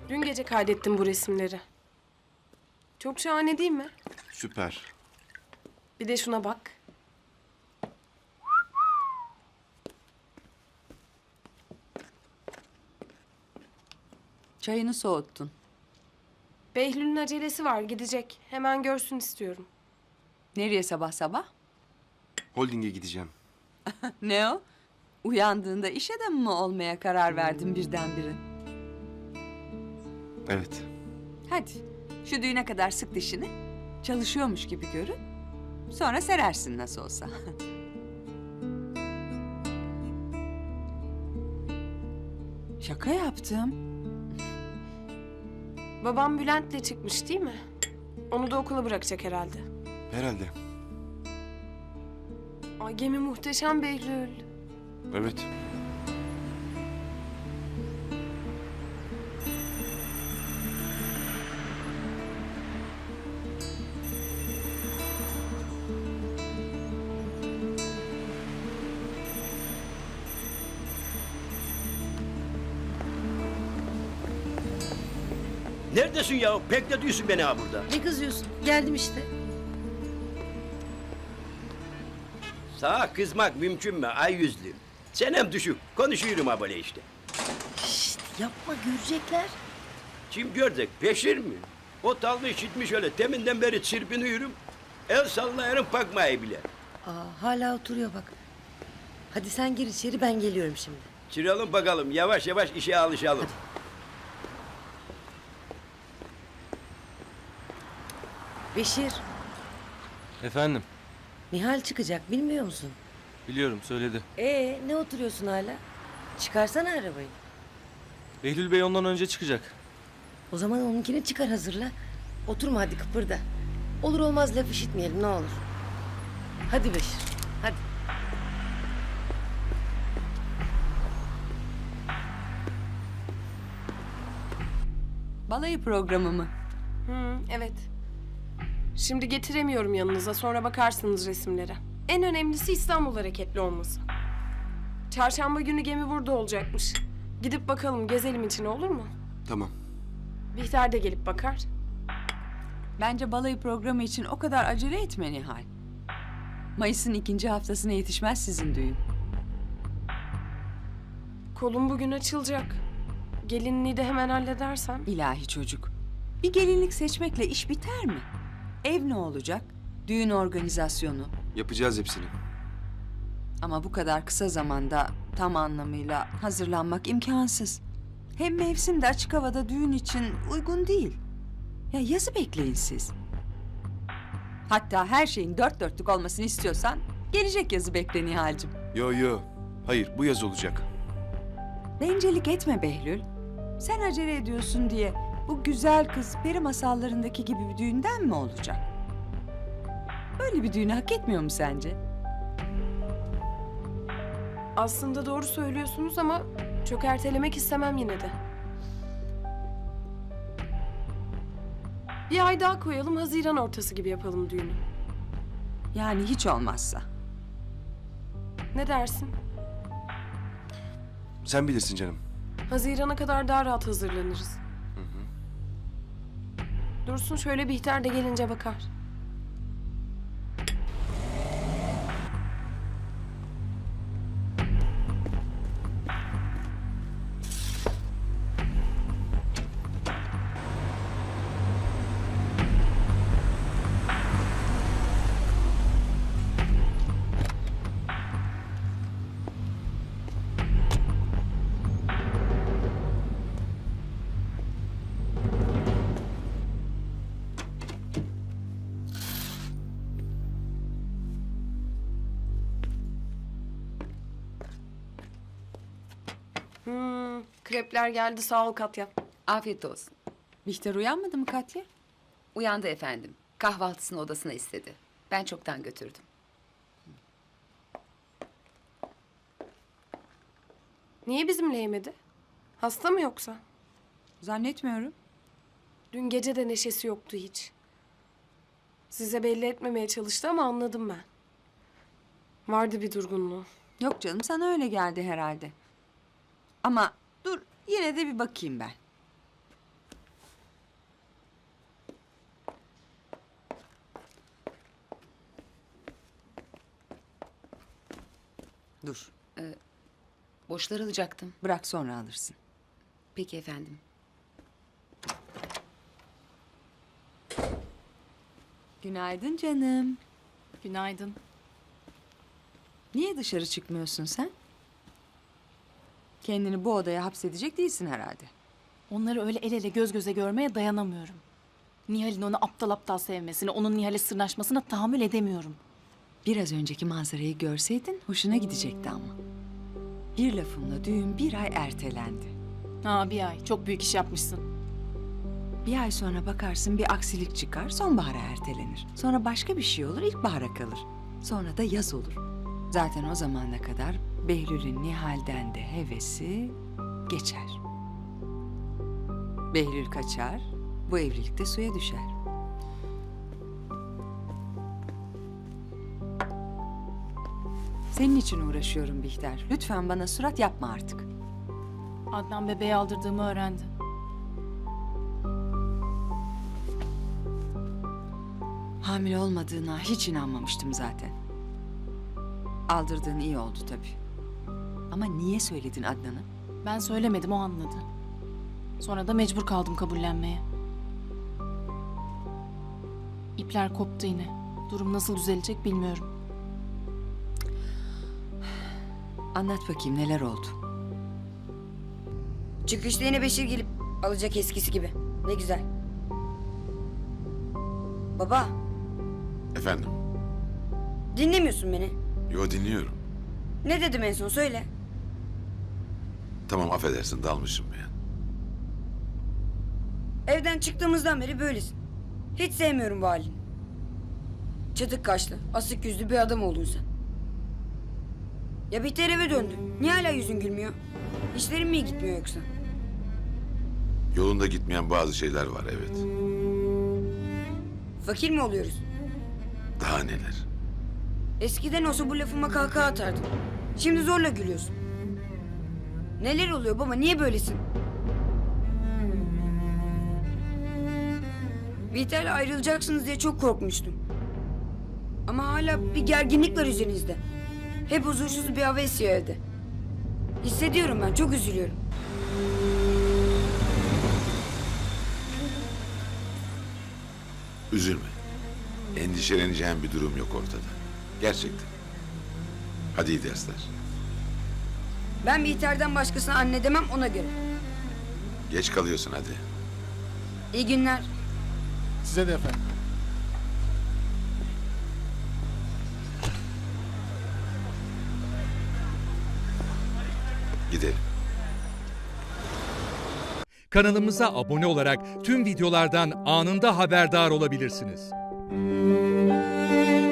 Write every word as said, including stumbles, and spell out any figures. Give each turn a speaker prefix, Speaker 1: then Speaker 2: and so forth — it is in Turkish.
Speaker 1: Dün gece kaydettim bu resimleri. Çok şahane değil mi?
Speaker 2: Süper.
Speaker 1: Bir de şuna bak.
Speaker 3: Çayını soğuttun.
Speaker 1: Behlül'ün acelesi var, gidecek. Hemen görsün istiyorum.
Speaker 3: Nereye sabah sabah?
Speaker 2: Holding'e gideceğim.
Speaker 3: Ne o? Uyandığında iş adamı mı olmaya karar verdin birdenbire?
Speaker 2: Evet.
Speaker 3: Hadi şu düğüne kadar sık dişini. Çalışıyormuş gibi görün. Sonra serersin nasıl olsa. Şaka yaptım.
Speaker 1: Babam Bülent'le çıkmış değil mi? Onu da okula bırakacak herhalde.
Speaker 2: Herhalde.
Speaker 1: Ay gemi muhteşem Behlül.
Speaker 2: Evet.
Speaker 4: Neredesin ya? Bekletiyorsun beni ha burada.
Speaker 5: Ne kızıyorsun? Geldim işte.
Speaker 4: Sağa kızmak mümkün mü ay yüzlü? Senem düşük. Konuşuyorum ha böyle işte.
Speaker 5: Şşt, yapma görecekler.
Speaker 4: Kim görecek? Peşir mi? O tallı işitmiş öyle. Teminden beri çırpınıyorum. El sallayarım bakmayı bile.
Speaker 5: Aa, hala oturuyor bak. Hadi sen gir içeri, ben geliyorum şimdi.
Speaker 4: Çıralım bakalım. Yavaş yavaş işe alışalım.
Speaker 5: Beşir,
Speaker 6: Efendim,
Speaker 5: Nihal çıkacak bilmiyor musun?
Speaker 6: biliyorum söyledi.
Speaker 5: Ee, ne oturuyorsun hala? Çıkarsana arabayı.
Speaker 6: Behlül Bey ondan önce çıkacak.
Speaker 5: O zaman onunkini çıkar, hazırla. Oturma hadi, kıpırda. Olur olmaz laf işitmeyelim ne olur. Hadi Beşir, hadi.
Speaker 3: Balayı programı mı?
Speaker 1: Hı, evet. Şimdi getiremiyorum yanınıza, sonra bakarsınız resimlere. En önemlisi İstanbul hareketli olması. Çarşamba günü gemi burada olacakmış. Gidip bakalım, gezelim için, olur mu?
Speaker 2: Tamam.
Speaker 1: Bihter de gelip bakar.
Speaker 3: Bence balayı programı için o kadar acele etme Nihal. Mayıs'ın ikinci haftasına yetişmez sizin düğün.
Speaker 1: Kolum bugün açılacak. Gelinliği de hemen halledersem.
Speaker 3: İlahi çocuk. Bir gelinlik seçmekle iş biter mi? Ev ne olacak? Düğün organizasyonu.
Speaker 2: Yapacağız hepsini.
Speaker 3: Ama bu kadar kısa zamanda tam anlamıyla hazırlanmak imkansız. Hem mevsim de açık havada düğün için uygun değil. Ya yazı bekleyin siz. Hatta her şeyin dört dörtlük olmasını istiyorsan gelecek yazı bekle Nihal'cim.
Speaker 2: Yo yo. Hayır, bu yaz olacak.
Speaker 3: Bencillik etme Behlül. Sen acele ediyorsun diye bu güzel kız peri masallarındaki gibi bir düğünden mi olacak? Böyle bir düğünü hak etmiyor mu sence?
Speaker 1: Aslında doğru söylüyorsunuz ama çok ertelemek istemem yine de. Bir ay daha koyalım, Haziran ortası gibi yapalım düğünü.
Speaker 3: Yani hiç olmazsa.
Speaker 1: Ne dersin?
Speaker 2: Sen bilirsin canım.
Speaker 1: Haziran'a kadar daha rahat hazırlanırız. Dursun, şöyle Bihter de gelince bakar. Hmm, krepler geldi, sağ ol Katya.
Speaker 7: Afiyet olsun.
Speaker 3: Bihter uyanmadı mı Katya?
Speaker 7: Uyandı efendim. Kahvaltısını odasına istedi. Ben çoktan götürdüm.
Speaker 1: Niye bizimle yemedi? Hasta mı yoksa?
Speaker 3: Zannetmiyorum.
Speaker 1: Dün gece de neşesi yoktu hiç. Size belli etmemeye çalıştı ama anladım ben. Vardı bir durgunluğu.
Speaker 3: Yok canım, sana öyle geldi herhalde. Ama dur, yine de bir bakayım ben. Dur.
Speaker 7: Boşlar alacaktım.
Speaker 3: Bırak sonra alırsın.
Speaker 7: Peki efendim.
Speaker 3: Günaydın canım.
Speaker 8: Günaydın.
Speaker 3: Niye dışarı çıkmıyorsun sen? Kendini bu odaya hapsedecek değilsin herhalde.
Speaker 8: Onları öyle el ele göz göze görmeye dayanamıyorum. Nihal'in onu aptal aptal sevmesine, onun Nihal'e sırnaşmasına tahammül edemiyorum.
Speaker 3: Biraz önceki manzarayı görseydin hoşuna gidecekti ama. Bir lafımla düğün bir ay ertelendi.
Speaker 8: Ha bir ay, çok büyük iş yapmışsın.
Speaker 3: Bir ay sonra bakarsın bir aksilik çıkar, sonbahara ertelenir. Sonra başka bir şey olur, ilkbahara kalır. Sonra da yaz olur. Zaten o zamana kadar Behlül'ün Nihal'den de hevesi geçer. Behlül kaçar, bu evlilik de suya düşer. Senin için uğraşıyorum Bihter. Lütfen bana surat yapma artık.
Speaker 8: Adnan bebeği aldırdığımı öğrendi.
Speaker 3: Hamile olmadığına hiç inanmamıştım zaten. Aldırdığın iyi oldu tabii. Ama niye söyledin Adnan'a?
Speaker 8: Ben söylemedim, o anladı. Sonra da mecbur kaldım kabullenmeye. İpler koptu yine. Durum nasıl düzelecek bilmiyorum.
Speaker 3: Anlat bakayım neler oldu?
Speaker 5: Çıkışta yine Beşir gelip alacak eskisi gibi. Ne güzel. Baba,
Speaker 9: Efendim?
Speaker 5: dinlemiyorsun beni.
Speaker 9: Yo, dinliyorum.
Speaker 5: Ne dedim en son söyle.
Speaker 9: Tamam, affedersin, dalmışım ben.
Speaker 5: Evden çıktığımızdan beri böylesin. Hiç sevmiyorum bu halini. Çatık kaşlı, asık yüzlü bir adam oldun sen. Ya Bihter eve döndü. Niye hala yüzün gülmüyor? İşlerin mi iyi gitmiyor yoksa?
Speaker 9: Yolunda gitmeyen bazı şeyler var, evet.
Speaker 5: Fakir mi oluyoruz?
Speaker 9: Daha neler?
Speaker 5: Eskiden olsa bu lafıma kahkaha atardın. Şimdi zorla gülüyorsun. Neler oluyor baba? Niye böylesin? Bihter'le ayrılacaksınız diye çok korkmuştum. Ama hala bir gerginlik var üzerinizde. Hep huzursuz bir hava esiyor evde. Hissediyorum ben, çok üzülüyorum.
Speaker 9: Üzülme. Endişeleneceğin bir durum yok ortada. Gerçekten. Hadi iyi dersler.
Speaker 5: Ben Bihter'den başkasına anne demem, ona göre.
Speaker 9: Geç kalıyorsun hadi.
Speaker 5: İyi günler.
Speaker 10: Size de efendim.
Speaker 9: Gidelim.
Speaker 11: Kanalımıza abone olarak tüm videolardan anında haberdar olabilirsiniz.